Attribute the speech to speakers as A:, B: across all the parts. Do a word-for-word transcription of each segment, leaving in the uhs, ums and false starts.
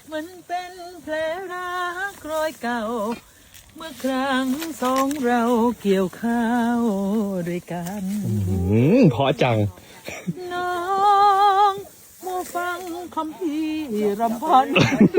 A: มันเป็นแผลรักรอยเก่าเมื่อครั้งสองเราเกี่ยวข้าวด้วยกัน
B: อืมเพราะจัง
A: น้องมูฟังคำพี่รำพัน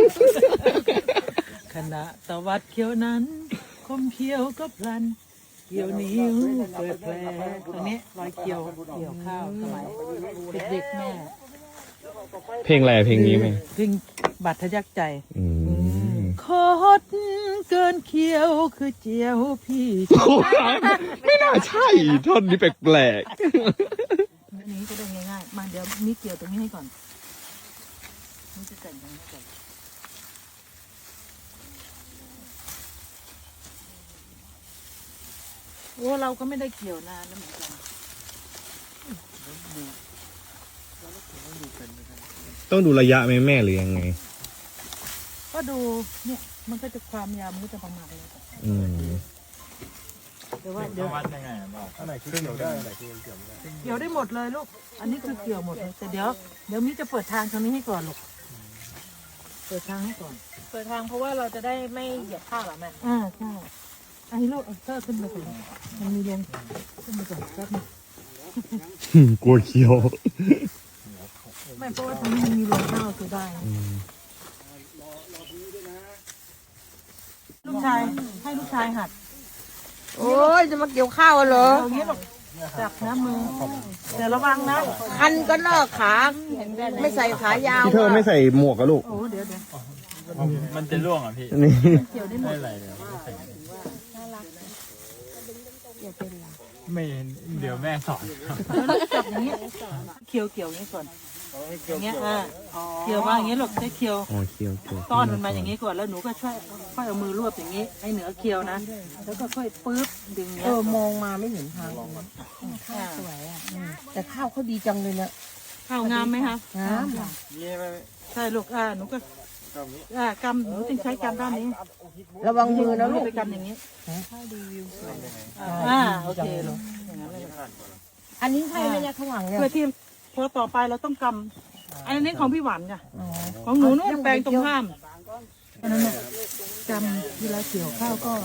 A: ขณะตะวัดเขียวนั้นคมเขียวก็พลันเกี่ยวนิ้วเปิดแผลตรงนี้รอยเกี่ยวเกี่ยวข้าวสมัยเด็กๆแม่
B: เพลงอะไรเพลงนี้ไหม
A: เพลงบาดทะยักใจ
B: อืม
A: คดเกินเคี้ยวคือเจียวพี่
B: โอ้ยไม่น่าใช่ท่อนนี้แปลก
A: อันนี้ก็ได้ง่ายๆมาเดี๋ยวมีเกี่ยวตรงนี้ให้ก่อนนี่จะแต่งตรงนี้ก่อนโอ้เราก็ไม่ได้เกี่ยวนานแล้วเหมือนกัน
B: ๆต้องดูระยะไหมแม่หรือยังไง
A: ก็ดูเนี่ยมันก็จะความยาวมันก็จะประมาณนี้
B: อืม
A: เดี๋ยวว่าเดี๋ยว
C: วัดยังไงอะบอก
D: อันไหนคือเกี่ยวได้อันไหนคือเกี่ยวไม่ได้
A: เกี่ยวได้หมดเลยลูกอันนี้คือเกี่ยวหมดเลยแต่เดี๋ยวเดี๋ยวมิจะเปิดทางตรงนี้ให้ก่อนลูกเปิดทางให้ก่อน
E: เปิดทางเพราะว่าเราจะได้ไม่เหยียบข้าวหรอแม่
A: อ่าใช่อันนี้ลูกเอาเสื้อขึ้นมาก่อนมันมีลงขึ้นมาก่อนแป๊บนึง
B: กลัวเคี้ยว
A: ไม่เพราะว่าตรงนี้มันมีลงข้าวคือได้นะลูกชายให้ลูกชายหัด
E: โอ้ยจะมาเกี่ยวข้าวเหรอ
A: เอาอย่างนี้หรอกจับนะมือแต่ระวังนะ
E: คันก็นอกขาไม่ใส่ขายาว
B: พี่เธอไม่ใส่หมวกกับลูก
A: โอ้เดี๋ยวเดี๋ยว
C: มันจะร่วงอ่ะพี่
B: นี่
A: เกี่ยวได้หม
C: ไม่
A: ด
C: อะไรเลยไม่เดี๋ยวแม่สอน
A: แล้วลูกจับอย่างนี้เคี่ยวเกี่ยวอย่างนี้ก่อนอย่างเงี้ยอ่าเคี่ยวมาอย่างนี้ลูกใช้เคี่ยว
B: อ๋อเคี้ยวเคี้ยว
A: ต้อนมันมาอย่างนี้ก่อนแล้วหนูก็ช่วยค่อยเอามือรวบอย่างนี้ให้เหนือเคี่ยวนะแล้วก็ค่อยปื๊บดึง
E: เอ
A: เนี้ย
E: อมองมาไม่เห็นทางข้าวสวยอ่ะแต่ข้าวเขาดีจังเลยนะ
A: ข้าวงามไหมคะ
E: งามค่ะ
A: ใช่ลูกอ่าหนูก็อ่ากำหนูต้องใช้กำด้านนี้
E: ระวังมือนะลูก
A: ไปกำอย่างนี้อ่าโอเคลูกอย่างนั้นเลย
E: อันนี้ใช่ไหมเนี่ยข้างหลังเนี่ย
A: เพื่อที่พอต่อไปเราต้องกำอันนี้ของพี่หวานจ้ะของหนูนู่นแปลงตรงข้ามอันนั้นน่ะกำเวลาเกี่ยวข้าวก็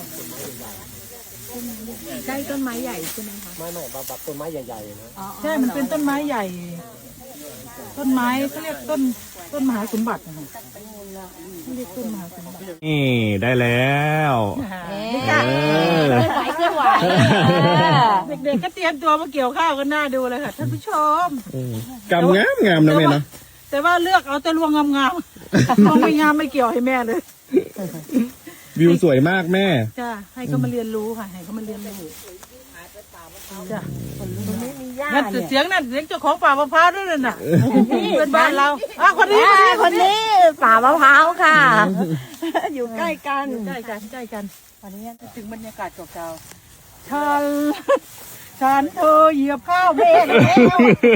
E: ใกล้ต้นไม้ใหญ่ใช่ไหมคะ
D: ไม่ไม่แบบแบบต้นไม้ใหญ่ๆนะ
A: ใช่มันเป็นต้นไม้ใหญ่ ต้นไม้เขาเรียกต้นต้นมหาสมบัตินะคะเขาเรียกต้นมหาสมบัติ
B: นี่ได้แล้ว
E: เอ๊
B: เอะ อ
E: เคลื่อนไหวเคลื่อนไหว
A: เด็กๆก็เตรียมตัวมาเกี่ยวข้าวกันหน้าดูเลยค่ะท่านผู้ชม
B: กำงามงามนะแม่เนาะ
A: แต่ว่าเลือกเอาแต่รวงงามๆ รวงไม่งามไม่เกี่ยวให้แม่เลย
B: วิวสวยมากแม่
A: จ้าให้เขามาเรียนรู้ค่ะให้เขามาเรียนรู้จ้า
E: ไม่มีหญ้า
A: นั่น
E: เนี่ย
A: เสียงนั่นเสียงเจ้าของป่ามะพร้าวด้วยนั่นน่ะเพื่อนบ้านเราอ่ะคนนี้
E: อ่าคนนี้ป่ามะพร้าวค่ะ อยู่ใกล้กัน
A: ใกล้กันใกล้กันวันนี้ถึงบรรยากาศเก่าๆฉันฉันเธอเหยียบข้าวแม่แล้ว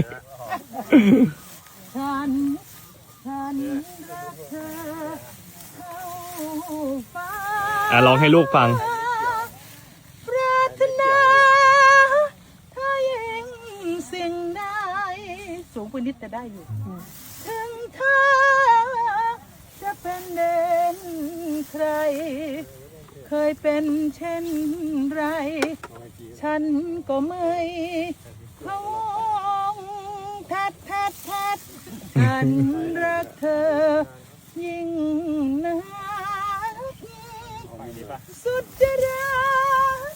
A: ฉันฉันรักเธอเข้าฟ้า
B: อ่ะร้องให้ลูกฟัง
A: ปรารถนาถ้ายังสิ่งใดสูงไปนิดแต่ได้อยู่ ถึงเธอจะเป็นเด่นใคร เคยเป็นเช่นไร ฉันก็ไม่พะวงทัดทัดทัดฉันรักเธอยิ่งนักสุดจะรัก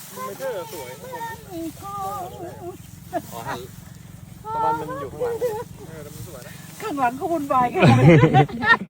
A: มันคง
D: เพราะว่ามันอยู่ข้างหลัง
A: ข้างหลังเขาวุ่นวายกัน